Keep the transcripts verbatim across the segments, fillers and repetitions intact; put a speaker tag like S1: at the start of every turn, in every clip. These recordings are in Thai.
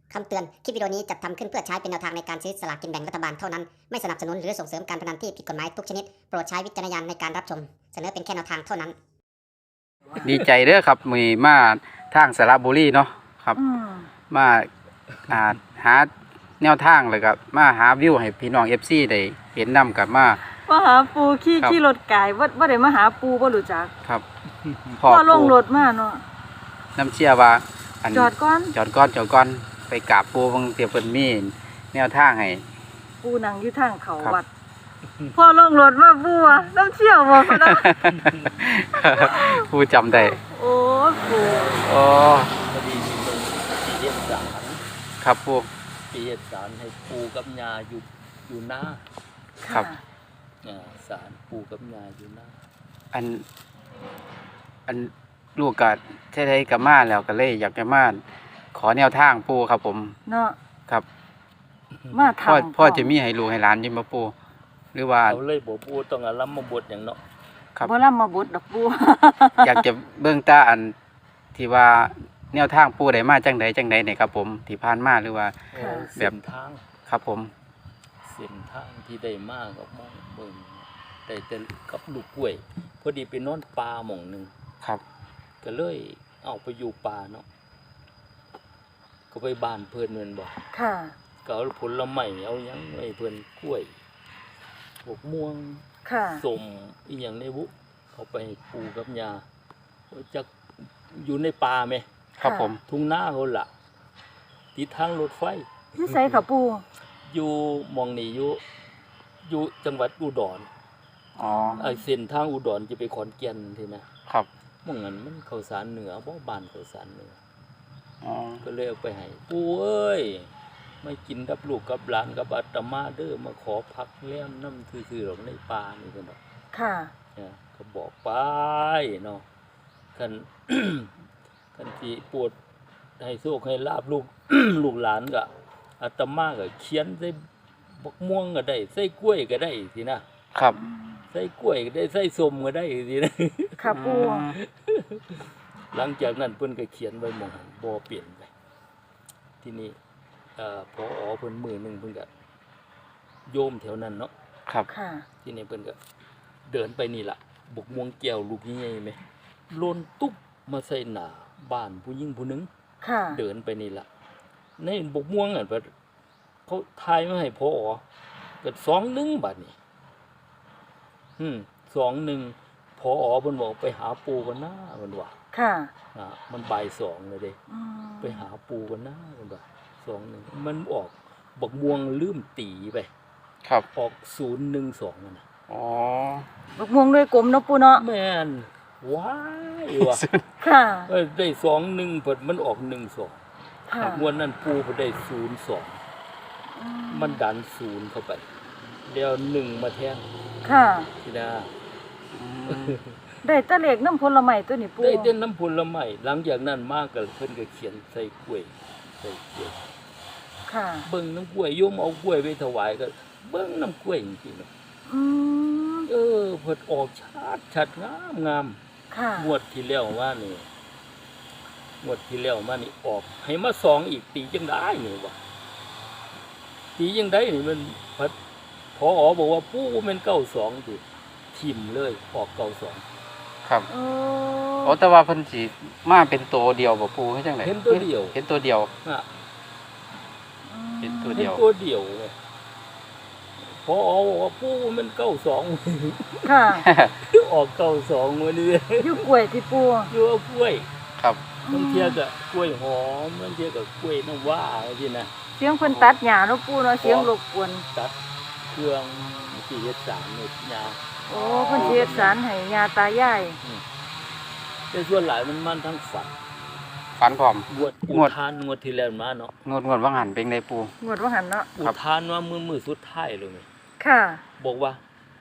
S1: คำเตือน คลิปวิดีโอนี้จัดทำขึ้นเพื่อใช้เป็นแนวทางในการซื้อสลากกินแบ่งรัฐบาลเท่านั้น ไม่สนับสนุนหรือส่งเสริมการพนันที่ผิดกฎหมายทุกชนิด โปรดใช้วิจารณญาณในการรับชม เสนอเป็นแค่แนวทางเท่านั้น
S2: ดีใจเด้อครับมีมาทางสระบุรีเนาะครับ
S3: อืม
S2: มาอ่าหาแนวทางเลยครับมาหาวิวให้พี่น้อง เอฟ ซี ได้เห็นนำกับมา
S3: มาหาปูขี่
S2: ครับ
S3: ขี่รถไก่ว่าว่าได้มาหาปูบ่รู้จัก
S2: ครับ
S3: พ่อลงรถมาเนาะ
S2: น้ำเชี่ยว่าอัน
S3: จอดก่อน
S2: จอดก่อนจอดก่อนไปกราบปูเบิ่งเตียเพิ่นมีแนวทางให้
S3: ปูนั่งอยู่ทางเขา
S2: ครับ
S3: วัดพ่อลงรถมาปูอะน้ำเชี่ยวบ่พะนะ
S2: ปูจำได้
S3: โอ้ปู
S2: โอ้
S4: พอดีมีเมืองปีเฮ็ดสาร
S2: ครับปู
S4: ปีเฮ็ดสารให้ปูกับยาอยู่อยู่หน้า
S2: ครับ
S3: ะ
S4: อ่าสารปูกับยาอยู่หน้า
S2: อันอันลูกก็ใช้ได้กับมาแล้วก็เลยอยากจะมาขอแนวทางปูครับผม
S3: เนาะ
S2: ครับ
S3: มา
S2: พ่อ
S3: ทำ
S2: พ่อจะมีให้ลูกให้หลานอยิมบ่ปูหรือว่า
S4: เอาเลยบ่ปูต้องอารัมมาบทอย่างเนาะ
S2: ครับ
S3: บ่ล่ำมาบุดดอกปู
S2: อยากจะเบิ่งตาอันที่ว่าแนวทางปูได้มาจังใดจังใดเนี่ยครับผมที่ผ่านมาหรือว่า
S4: เออ
S2: แบ
S4: เส้
S2: บ
S4: นทาง
S2: ครับผม
S4: เส้นทางที่ได้มากกับมองเบิ่งได้แต่กับลูกกล้วย พอดีไปนอนป่าหม่องหนึง
S2: ครับ
S4: ก็เลยเอาไปอยู่ป่าเนาะก็ไปบ้านเพิ่นแม่นบ่
S3: ค่ะ
S4: ก็เอาผลไม้เอาหยังไว้เพิ่นกล้วยพวกม่วง
S3: ค่ะ
S4: สมอีหยังในบุเขาไปให้ปูกับยาจะอยู่ในป่าไหม
S2: ครับผม
S4: ทุ่งนาเขาละติดทางรถไฟ
S3: อยู่ไสค่ะปู
S4: อยู่หมองนี่อยู่อยู่จังหวัดอุดร
S2: อ๋อ
S4: ไอ้เส้นทางอุดรจะไปขอนแก่นทีนะครับ หมองนั้นมันข้าวสารเหนือบ่บ้านข้าวสารเหนือ
S2: อ๋อ
S4: ก็เลยเอาไปให้ปูเอ้ยไม่กินกับลูกกับหลานกับอาตมาเด้อมาขอพักแล้มน้ำคือๆหรอกในป่านี่เพิ่นเนาะ
S3: ค่ะ
S4: เนี่ยก็บอกไปเนาะคัน คันที่ปวดให้โชคให้ลาบลูก ลูกหลานก็อาตมาก็เขียนใส่บักม่วงก็ได้ใส่กล้วยก็ได้สินะครับ ใส่กล้วยก็ได้ใส่ส้มก็ได้สินะ
S3: ค่ะปู
S2: อืม
S4: หลังจากนั้นเพิ่นก็เขียนไว้หมองบ่เปลี่ยนไปที่นี่เอ่อพอเพิ่นมือหนึงเพิ่นก็โยมแถวนั้นเนาะ
S2: ครับ
S3: ค่ะ
S4: ที่นี่เพิ่นก็เดินไปนี่ล่ะบกม่วงแก้วลูกใหญ่ๆไหมโลนตุ๊บมาใส่หน้าบ้านผู้หญิงผู้หนึง
S3: ค่ะ
S4: เดินไปนี่ล่ะในบกม่วงอ่ะเพิ่นเขาทายมาให้พอเกิดสองหนึ่งบัดนี้อืมสองหนึ่งพอเพิ่นบอกไปหาปูกันหน้าเพิ่นว่า
S3: ค่ะ
S4: อ่ามันบ่ายสองเลยเด้
S3: อืม
S4: ไปหาปูกันหน้าเพิ่นว่าสองหนึ่งมันออกบกม่วงลืมตีไป
S2: ครับ
S4: ออกศูนย์หนึ่งสองนั่นน่ะ
S2: อ๋อ
S3: บักม่วงด้วยกลมเนาะปูเนาะ
S4: แม่นว้ายว่ะ
S3: ค่ะ
S4: เอ้ยได้สองหนึ่งเพิ่นมันออกหนึ่งสอง
S3: ค่ะ
S4: งวดนั้นปูเพิ่นได้ศูนย์สอง
S3: อื
S4: มันดันศูนย์เข้าไปเดี๋ยวหนึ่งมาแทน
S3: ค่ะ
S4: ทีนา
S2: อืม
S3: ได้แตะเลขน้ำผลไม้ตัวนี้ปู
S4: ได้เต้นน้ำผลไม้หลังจากนั้นมากก็เพิ่นก็เขียนใส่กล้วยใส่กล้วย
S3: ค่ะ
S4: เบิ่งน้ำกล้วยโยมเอากล้วยไปถวายก็เบิ่งน้ำกล้วยจริงๆเนาะ
S3: อืม
S4: เออเพิ่นออกชัดชัดงามงาม
S3: ค่ะ
S4: งวดที่แล้วว่านี่งวดที่แล้วมานี่ออก ให้มาสองอีกตีจังได้นี่วะตีจังได้นี่มันพัดพอบอกว่าปู้มันเก้าสองติทิมเลยออกเก้าสอง
S2: ครับ
S3: โอ้
S2: โอ้แต่ว่าเพิ่นสิมาเป็นตัวเดียวบ่ปูให้จังได๋
S4: เห็นตัวเดียว
S2: เห็นตัวเดียว
S4: อ่ะ
S2: เป็นตัว
S4: เห็นตัวเดียวเลยพอบอกว่าปู้มันเก้าสอง
S3: ค่ะ
S4: ออกเก้าสองวันนี้
S3: อยู่กล้วยที่ปู
S4: อยู่เอากล้วย
S2: ครับ
S4: บางเทียก็กล้วยหอมบางเทียก็กล้วยน้ำว้าที่นะ
S3: เสียงเพิ่นตัดหญ้าเนาะปูเนาะเสียงรบกวน
S4: ตัดเครื่องสี่เฮ็ดสามเนี่ยยาว
S3: โอ้เพิ่นสิเฮ็ดสารให้ยาตายาย
S4: แต่ส่วนหลายมันมันทั้งฝัน
S2: ฝันพร้อม
S4: งวดอุ
S2: งวด
S4: ทานงวดที่แล้วมาเนาะ
S2: งวดงวดว่างหันเป็นไดปู
S3: งวดว่าหันเนาะ
S4: อุ
S2: ครับ
S4: ทานว่ามือมือสุดท้ายเลยไหม
S3: ค่ะ
S4: บอกว่า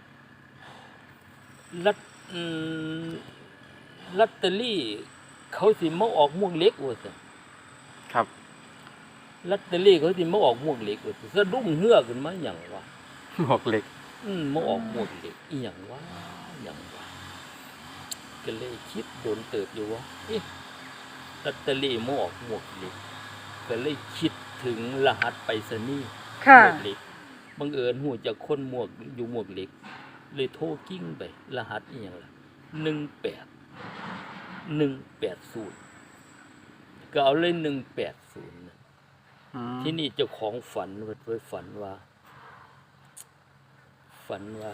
S4: ลัตอืมลัตเตอรี่ เขาสิมาออกม่วงเล็กว่าซั่น
S2: ครับ
S4: ลัตเตอรี่เขาสิมาออกม่วงเล็กว่าซั่นสะดุ้งเฮือกขึ้นมาหยังวะ
S2: หมวกเหล็ก
S4: อืมมาออกม่วงเล็กอีหยังวะหยังวะก็เลยคิดโดนเติบอยู่ว่าเอ๊ะลอตเตอรี่มาออกม่วงเล็กก็เลยคิดถึงรหัสไปรษณีย์
S3: ค่ะ
S4: หมวกเหล็กบังเอิญหูจากคนหมวกอยู่หมวกเหล็ก เลยโทรกิ้งไปรหัสอีหยังล่ะหนึ่งแปด หนึ่งแปดศูนย์ก็เอาเลยหนึ่งแปดศูนย์
S2: อืม
S4: ที่นี่เจ้าของฝันเพิ่นฝันว่า ฝันว่า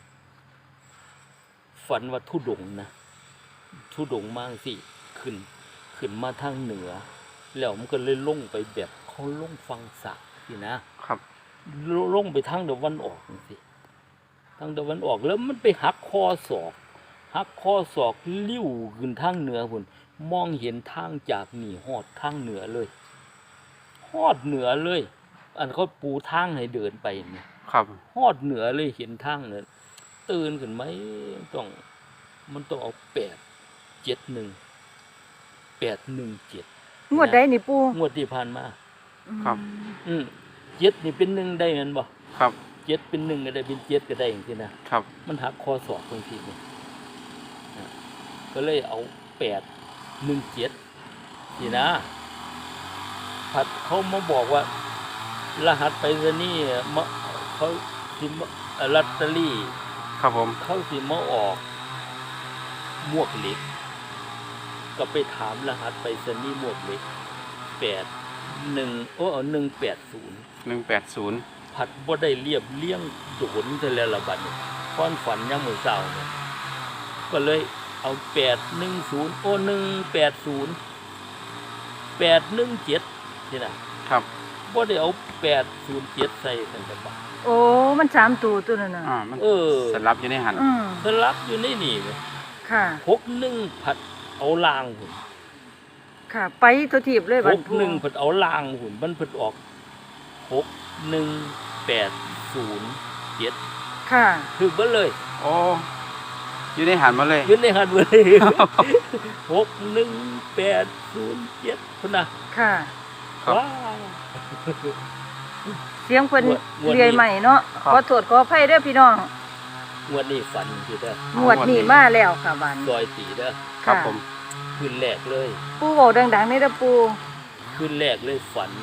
S4: ฝันว่าทุดงค์นะทุดงค์มากสิขึ้น ขึ้นมาทางเหนือ แล้วมันก็เลยลงไปแบบเขาลงฟังสักสินะครับ ลงไปทางตะวันออกสิทางตะวันออกแล้วมันไปหักคอศอกหักคอศอกลิ้วขึ้นทางเหนือพุ่นมองเห็นทางจากนี่ฮอดทางเหนือเลยฮอดเหนือเลย อันเขาปูทางให้เดินไปนี่
S2: ครับ
S4: ฮอดเหนือเลยเห็นทางเนี่ยตื่นขึ้นไหมต้องมันต้องเอาแปดเจ็ดหนึ่งแปดหนึ่งเจ็ด
S3: งวดใดนี่ปู
S4: งวดที่ผ่านมา
S2: ครับ
S4: อืมเจ็ดนี่เป็นหนึ่งได้แมันบ่
S2: ครับ
S4: เจ็ดเป็นหนึ่งก็ได้เป็นเจ็ดก็ได้อย่างที่นะครับ มันหักคอศอกบางทีนี่อ่ะก็เลยเอาแปดหนึ่งเจ็ดนี่นะผัดเขามาบอกว่า รหัสไปรษณีย์มาเขาสิมาเอ่อลอตเตอรี่
S2: ครับผม
S4: เขาสิมาออกหมวกเหล็ก ก็ไปถามรหัสไปรษณีย์หมวกเหล็กแปดหนึ่งโอ้หนึ่งแปดศูนย์
S2: หนึ่งแปดศูนย์
S4: ผัดบ่ได้เรียบเลี้ยงโดนเทแล้วละบัดนี้ก้อนฝันยามมื้อเช้าเนี่ยก็เลยเอาแปดหนึ่งศูนย์โอ้หนึ่งแปดศูนย์แปดหนึ่งเจ็ดนี่นะครับ บ่ได้เอาแปดศูนย์เจ็ดใส่กันจังบ่
S3: โอ้มันสามตัวตัวนั้นน่ะ
S2: อ่ามัน
S4: เออ
S2: สลับอยู่ในหัน
S3: อืม
S4: สลับอยู่ในนี่เว้ย
S3: ค่ะ
S4: หกหนึ่งผัดเอาล่างหุ่น
S3: ค่ะ ไปตัวทีบเลย
S4: ห
S3: บัด
S4: ก
S3: ปู
S4: หนึ่งผัดเอาล่างหุ่นมันผัดออกหกหนึ่งแปดศูนย์เจ็ด
S3: ค่ะ
S4: ถึงเบิดเลย
S2: โอ้อยู่ในหันมาเลย
S4: ยืนในหันเบิดเลยหกหนึ่งแปดศูนย์เจ็ดพุ่นน่ะ
S3: ค่ะ
S2: ครับ
S4: ว้าว
S3: เสียงเพิ่น
S4: งวดงวดนี้
S3: เรียใหม่เนาะ
S2: ครับ
S3: ขอโทษขออภัยเด้อพี่น้อง
S4: งวดนี้ฝันคือเด้อง
S3: วดนี้มาแล้วค่ะบัด
S4: ซอยตีเด้อ
S2: ครับ
S3: ค่ะ
S2: ผม
S4: คืนแรกเลย
S3: ปูเว้าดังๆนี่เด้อปู
S4: คืนแรกเลยฝัน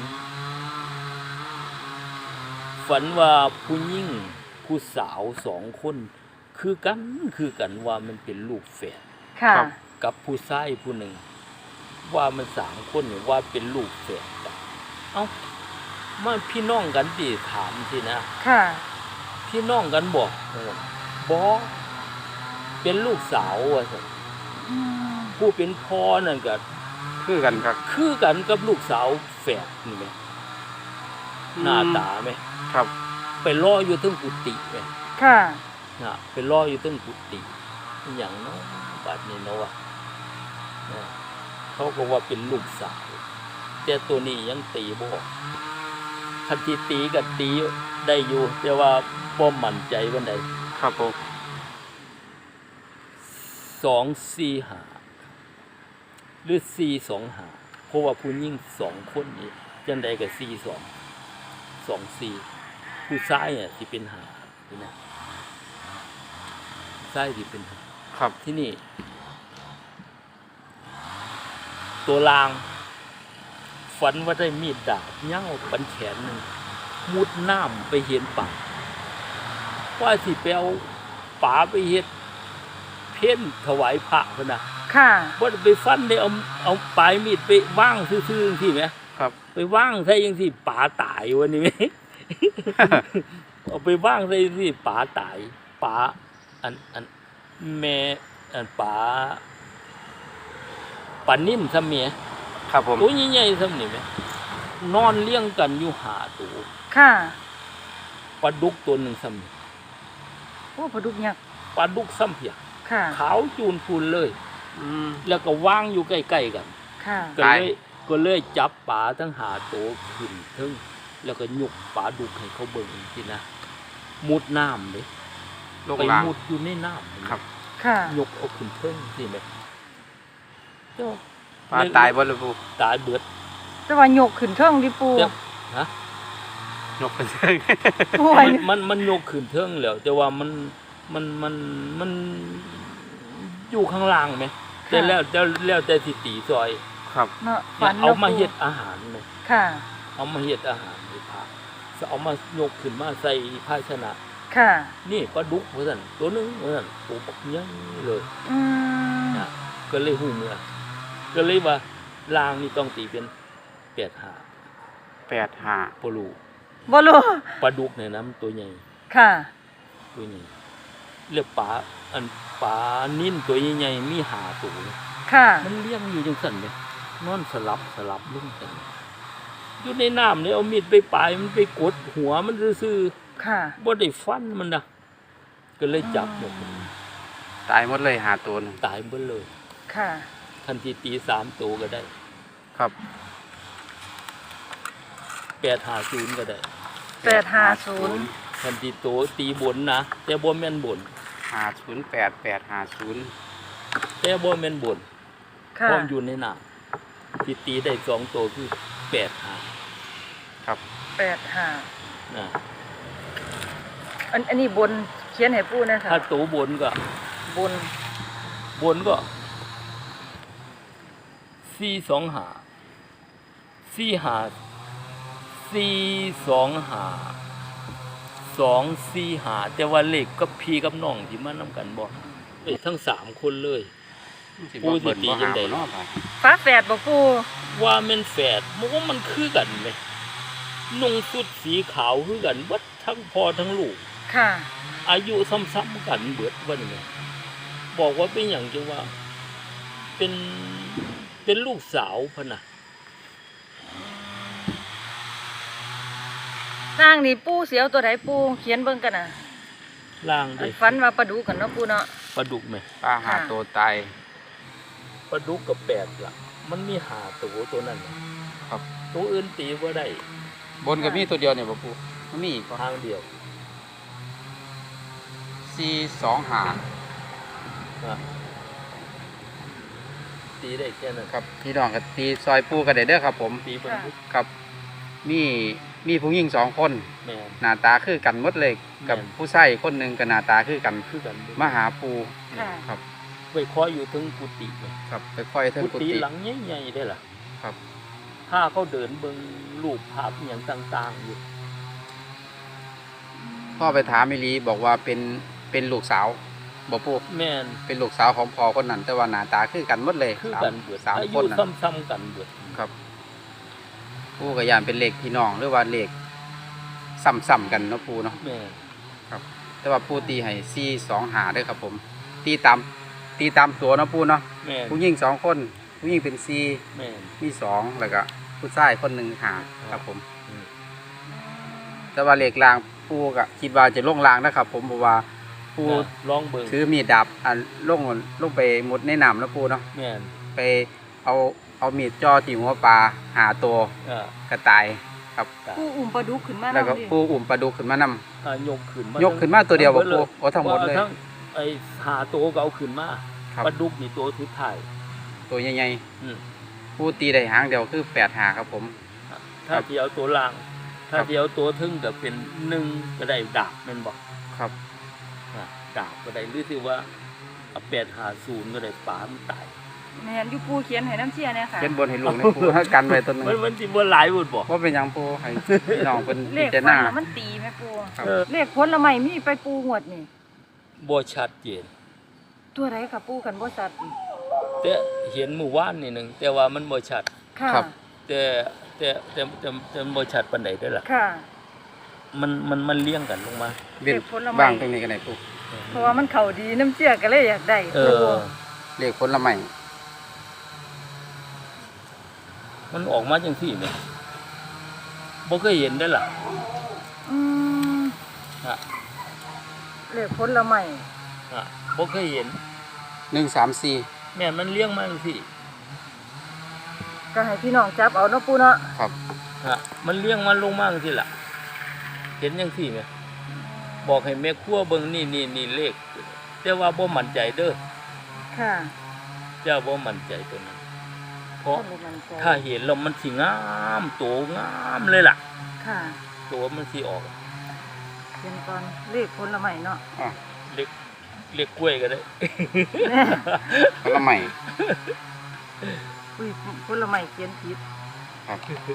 S4: ฝันว่าผู้หญิงผู้สาวสองคน คือกันคือกันว่ามันเป็นลูกแฝด
S3: ค่ะ
S2: ครับ
S4: กับผู้ชายผู้หนึ่ง ว่ามันสามคนเนี่ยว่าเป็นลูกแฝดกันเอ้ามันพี่น้องกันดิถามสินะ
S3: ค่ะ
S4: พี่น้องกันบอกเออบอกเป็นลูกสาวว่าซั่น
S3: อืม
S4: ผู้เป็นพ่อนั่นก็
S2: คือกันครับ
S4: คือกันกับลูกสาวแฝดนี่ไหมหน้าตาไหม
S2: ครับ
S4: ไปรออยู่เทึงกุฏิไหม
S3: ค่ะ
S4: นะไปรออยู่เทึงกุฏิอหย่างเนาะบัดนี้เนาะวะนะเขาก็ว่าเป็นลูกสาวแต่ตัวนี้ยังตีบ่ออกคันที่ตีก็ตีได้อยู่ แต่ว่าบ่มั่นใจวันใด
S2: ครับผม
S4: สองสี่หาหรือสี่สองหาเพราะว่าผู้หญิงสองคนนี้จังใดก็สี่สองสองสี่ผู้ชายเนี่ยที่เป็นหานี่นะชายที่เป็นหา
S2: ครับ
S4: ที่นี่ ตัวลาง ฝันว่าได้มีดดาบเง่าปันแขนหนึ่งมุดน้ำไปเห็นป่าว่าสิไปเอาป่าไปเฮ็ดเพ่นถวายพระพนนะ
S3: ค่ะ
S4: ว่าไปฟันได้เอาเอาปลายมีดไปว่างซื่อๆจังซี่ไหม
S2: ครับ
S4: ไปว่างใส่ยังสิป่าตายวันนี้ไหม เอาไปว่างใส่สิป่าตายป่าอันอันแม่อันป่าป่านิ่มซะเมีย
S2: ครับผม
S4: ตัวใหญ่ๆซะนี่ไหมนอนเลี้ยงกันอยู่หาตัว
S3: ค่ะ
S4: ปลาดุกตัวหนึ่งซ้ำนี่
S3: โอ้ปลาดุกยักษ์
S4: ปลาดุกซ้ำเพีย
S3: ค่ะ
S4: ขาวจูนพูนเลย
S2: อืม
S4: แล้วก็ว่างอยู่ใกล้ๆกัน
S3: ค่ะ
S4: ก็เลยก็เลยจับปลาทั้งหาตัวขึ้นเทึงแล้วก็ยกปลาดุกให้เขาเบิ่งสินะมุดน้ำเลย
S2: โลก
S4: ไป
S2: ลาง
S4: มุดอยู่ในน้ำ
S2: ครับ
S3: ค่ะ
S4: ยกเอาขึ้นเทิงสิแม่เจ้า
S2: ปลาตายบ่เลยปู
S4: ตายเบิด
S3: แต่ว่ายกขึ้นเทิงดิปู
S4: เจ้าฮะ
S2: นกเป็นเชิง
S3: โอ้ย
S4: มันมันมันยกขึ้นเทิงแล้ว แต่ว่ามันมันมันมันอยู่ข้างล่างไหมแต่แล้วแต่แล้วแต่สิตีซอย
S2: ครับ
S3: เนาะ
S4: อ
S3: ฝั
S4: ย่าน เอา
S3: นะ
S4: มา
S3: ปู่
S4: เฮ็ดอาหารเลย
S3: ค่ะ
S4: เอามาเฮ็ดอาหารให้พระจะเอามายกขึ้นมาใส่ภาชนะ
S3: ค่ะ
S4: นี่ปลาดุกว่าซั่นตัวหนึงว่าซั่นตัวบักใหญ่เลย
S3: อืม
S4: นะก็เลยฮู้เมื่อก็เลยว่าลางนี่ต้องตีเป็นแปดห้า
S2: แปดห้า
S4: บ่รู้
S3: บ่รู้
S4: ปลาดุกเนี่ยนะมันตัวใหญ่
S3: ค่ะ
S4: ตัวใหญ่เรียกปลาอันปลานิ่นตัวใหญ่ๆมีห้าตัว
S3: ค่ะ
S4: มันเลี้ยงอยู่จังซั่นเด้นอนสลับสลับลงกันอยู่ในน้ำเนี่ยเอามีดไปปลายมันไปกดหัวมันซื่อ
S3: ค่ะ
S4: ๆบ่ได้ฟันมันนะก็เลยจับหมด
S2: ตายหมดเลยหาตัวหนึง
S4: ตายเบิดเลย
S3: ค่ะ
S4: ทันทีตีสามตัวก็ได้
S2: ครับ
S4: แปดห้าศูนย์ก็ได้
S3: แปดห้าศูนย์
S4: ทันทีตัวตีบนนะแต่บ่แม่นบน
S2: ห้าศูนย์แปดแปดห้าศูนย์
S4: แต่บ่แม่นบน
S3: ค่ะ
S4: พร้อมอยู่ในน้ำที่ตีได้สองตัวคือแปดห้า
S2: ครับ
S3: แปดห้า
S4: นะ
S3: อันอันนี้บนเขียนให้ปู่นะคะ
S4: ถ้าตัวบนก็
S3: บน
S4: บนก็สี่สองหาสี่หาสี่สองหาสองสี่หาแต่ว่าเลขกับพี่กับน้องที่มานำกันบ่เอ้ยทั้งสามคนเลย
S2: สิ
S4: ปู
S2: บ่
S4: สิ
S2: เบิ่น
S4: ตี
S2: บ่
S4: จั
S2: หาง
S4: ใด
S2: บ่เนาะไป
S3: ฟ้าแฝดบ่ปู่
S4: ว่าแม่นแฝดมันว่ามันคือกันไหมนุ่งสุดสีขาวคือกันเบิดทั้งพ่อทั้งลูก
S3: ค่ะ
S4: อายุซ้ำๆกันเบิดว่านี่บอกว่าเป็นอย่างจังว่า เป็นเป็นลูกสาวพะนะ
S3: สร้างนี่ปู่เสียวตัวใดปู่เขียนเบิ่งกันน่ะ
S4: ล่าง
S3: อั
S4: เด้
S3: นฝันว่าปลาดุกกันเนาะปู่เนาะ
S4: ปลาดุกไหม
S2: ปลาหาตัวตาย
S4: ปลาดุกกับแปดล่ะ มันมีหาตัวตัวนั้นน่ะ
S2: ครับ
S4: ตัวอื่นตีบ่ได้
S2: บนก็มีตัวเดียวเนี่ยบ่ปูมันมีอีกบ่
S4: ทางเดียว
S2: สี่สองห้า
S4: นะตีได้แค่นั้น
S2: ครับพี่น้องก็ตีซอยปูกันได้เด้อครับ ผม
S4: ตีปลาดุก
S2: ครับ มีมีผู้หญิงสองคน
S4: แม่น
S2: หน้าตาคือกันหมดเลยกับ
S4: แม่น
S2: ผู้ชายคนหนึงก็หน้าตาคือกัน
S4: คือกันเบิด
S2: มาหาปู
S3: ค่ะ
S2: ครับ
S4: ไปคอยอยู่ถึงกุฏิเลย
S2: ครับไปค่อยเทิง
S4: กุ
S2: กุ
S4: ฏิ
S2: ฏิ
S4: หลังใหญ่ๆได้ล่ะ
S2: ครับ
S4: ถ้าเขาเดินเบิ่งรูปภาพอหย่างต่าง ๆ อยู่
S2: พ่อไปถามมิลีบอกว่าเป็นเป็นลูกสาวบ่ปู
S4: แม่น
S2: เป็นลูกสาวของพ่อคนนั้น แต่ว่าหน้าตาคือกันหมดเลย
S4: คือ
S2: สาม
S4: กันเบิด
S2: สาม
S4: อา
S2: ค
S4: ยุ
S2: นนั้น
S4: ซ้ำๆกันเบิด
S2: ครับปูกับยานเป็นเลขพี่น้องหรือว่าเลขซ้ำๆกันเนาะปูเนาะ
S4: แม่น
S2: แต่ว่าปูตีให้สี่สองหาด้วยครับผม ตีตามตีตามตัวเนาะปูเนาะ
S4: แม่น
S2: ผู้หญิงสองคนผู้หญิงเป็นสี่
S4: แม่น
S2: มีสองแล้วก็ผู้ชายคนหนึ่งหาครับผม
S4: อืม
S2: แต่ว่าเลขรางปูก็คิดว่าจะลงรางนะครับ ผมเพราะว่าปู
S4: นะลองเบิ่ง
S2: ถือมีดดาบอันลงลงไปหมดในน้ำแล้วปูเนาะ
S4: แม่น
S2: ไปเอาเอามีดจ่อที่หัวปลาหาตัว
S4: เอ่าก
S2: ระต่ายครับ
S3: ปู่อุ้มปลาดุกขึ้นมา
S2: แล้วก็
S3: นำดิ
S2: ปูอุ่มปลาดุกขึ้นมานำ
S4: ถ้ายกขึ้นมาย
S2: กขึ้นมาตัวเดียวบ่
S4: ทั้ง
S2: ปู
S4: บิ
S2: โอ้ทั้งหมดเลย
S4: ว่าทั้งไอ้หาตัวก็เอาขึ้นมา
S2: ครับ
S4: ปลาดุกนี่ตัวสุดท้าย
S2: ตัวใหญ่
S4: อืม
S2: ๆปูตีได้หางเดียวคือแปดหาครับผม
S4: ถ้า
S2: ครับ
S4: สิเอาตัวล่าง ถ้า
S2: ครับ
S4: สิเอาตัวทึ่งก็เป็นหนึ่งก็ได้ดาบแม่นบ่
S2: ครับ
S4: อ่ะดาบก็ได้หรือสิว่าเอาแปดหาศูนย์ก็ได้ปลามันตาย
S3: แม่นอยู่ปู่เขียนให้น้ำเชี่ยเนี่ยค่ะ
S2: เขียนบนให้ลูกในปูให้กันไว้ตัวหนึง
S4: มันมันสิบ่หลายบุดบ่
S2: ว่าเป็นหยังปูให้พี่น้องเป็น
S3: เล
S2: พิ
S3: ข
S2: จาร
S3: ฟั
S2: ณาน
S3: แล้วมันตีไหมปู่
S2: ครับ
S4: เออ
S3: เลขผลละไม้มีไปปู่งวดนี่
S4: บ่ชัดเจน
S3: ตัวใดค่ะปู่กันบ่ชัด
S4: แต่เห็นหมู่ว่านนี่หนึงแต่ว่ามันบ่ชัด
S3: ค่ะ
S2: ครับ
S4: แต่แต่แต่แต่แต่บ่ชัดปานใดเด้อล่ะ
S3: ค่ะ
S4: มันมันมันเลี้ยงกันลงมา
S2: เว้น
S3: เลขผลไม้
S2: บ้างตรงนี้กันไหนปู
S3: เพราะว่ามันเข้าดีน้ำเชี่ยก็เลยอยากได้
S4: เอ
S3: ปู่
S4: อ
S2: เลขผลไม้
S4: มันออกมาจังซี่แหมบ่เคยเห็นได้อล่ะ
S3: อืม
S4: ฮะ
S3: เลขผลไม้
S4: ฮะบ่เคยเห็น
S2: หนึ่งสามสี่
S4: แม่นมันเลี้ยงมาจังซี่
S3: ก็ให้พี่น้องจับเอาเนาะปู่เนาะ
S2: ครับ
S4: ฮะมันเลี้ยงมันลงมาจังซี่ล่ะ เห็นจังซี่แหมบอกให้แม่ครัวเบิ่งนี่นี่นี่เลข แต่ว่าบ่มั่นใจเด้อ
S3: ค่ะ
S4: เจ้าบ่มั่นใจตัวนั้น เพราะ
S3: บ่มั่นใจ
S4: ถ้าเห็นแล้วมันสิงามโตงามเลยล่ะ
S3: ค่ะ
S4: ตัวมันสิออก
S3: เขียนก่อนเลขผลไม้เนาะ
S2: อ่ะ
S4: เล็กเล็กกล้วยก็ได้
S3: แม่
S2: ผลไม้
S3: อุ้ยผลไม้เขียนผิด
S2: ครับ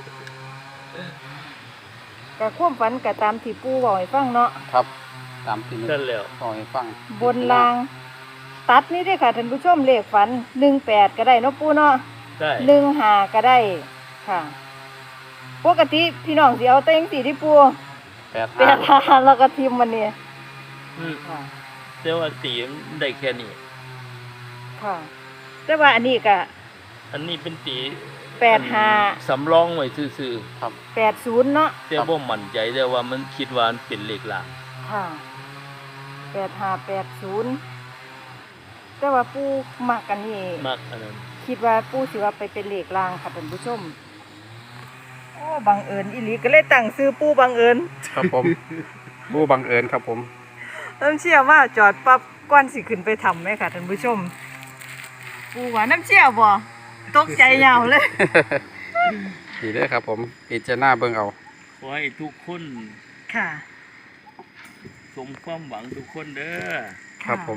S3: ก็ความฝันก็ตามที่ปู่บอกให้ฟังเนาะ
S2: ครับตามที่
S4: นั่นแล้ว
S2: ขอให้ฟัง
S3: บนราง ตัดนี่เด้อค่ะท่านผู้ชมเลขฝันหนึ่งแปดก็ได้เนาะปู่เนาะ
S4: ได้
S3: หนึ่งห้าก็ได้ค่ะ ปกติพี่น้องสิเอาแต่จังซี่ที่ปู่
S2: แปด
S3: แปดห้าแล้วก็ทิมมันนี่
S4: อืม
S3: ค่ะ
S4: แต่ว่าตีมันได้แค่นี้
S3: ค่ะ แต่ว่าอันนี้ก็
S4: อันนี้เป็นตี
S3: แปดห้า
S4: สำรองไว้ซื่อ
S2: ครับ
S3: แปดศูนย์เนาะ
S4: ๆแต่บ่มั่นใจแต่ว่ามันคิดว่ามันเป็นเลขหลัก
S3: ค่ะแปดห้าแปดศูนย์แต่ว่าปู่มักกันนี่
S4: มากอันนั้น
S3: คิดว่าปู่สิว่าไปเป็นเลขลางค่ะท่านผู้ชมโอ้บังเอิญอีหลีก็เลยตั้งซื้อปู่บังเอิญ
S2: ครับผม ผู้บังเอิญครับผม
S3: น้ำเชี่ยวว่าจอดปั๊บก้อนสิขึ้นไปทำไหมค่ะท่านผู้ชมปู่ว่าน้ำเชี่ยวบ่ตกใจยาวเลย
S2: ดีเด้อครับผมพิจารณาเบิ่งเอา
S4: ขอให้ทุกคน
S3: ค่ะ
S4: สมความหวังทุกคนเด้อ
S2: ครับผม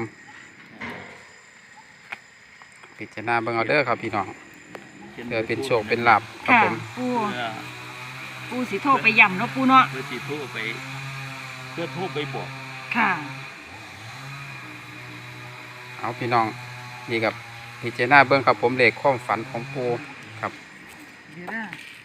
S2: พิจารณาเบิ่งเอาเด้อครับพี่น้องเพื่อเป็นโชคเป็นลาภครับ
S3: ค่ะ
S2: ผม
S3: ปู่
S4: เพื่อ
S3: ปู่สิโทรไปย่ำเนาะปู่เนาะ
S4: เพื่อสิโทรไป เพื่อโทรไปบอก
S3: ค่ะ
S2: เอาพี่น้องนี่กับพิจารณาเบิ่งครับผมเลขความฝันของปูครับ
S3: เดี๋ยวนะ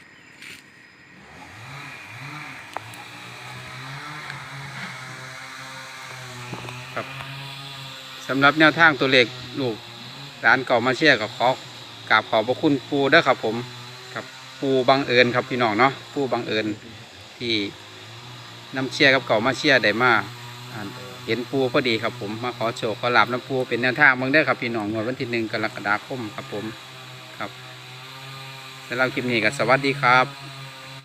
S2: ครับสำหรับแนวทางตัวเลขลูกร้านเก่ามาเชียร์กับขอกราบขอบพระคุณปูเด้อครับผมครับปูบังเอิญครับพี่น้องเนาะปูบังเอิญที่น้ำเชียร์กับเก่ามาเชียร์ได้มาอ่าเห็นปูพอดีครับผมมาขอโชคขอลาบน้ำปูเป็นแนวทางเบิ่งได้อครับพี่น้องงวดวันที่หนึ่งกรกฎาคมครับผมครับสำหรับคลิปนี้ก็สวัสดีครับ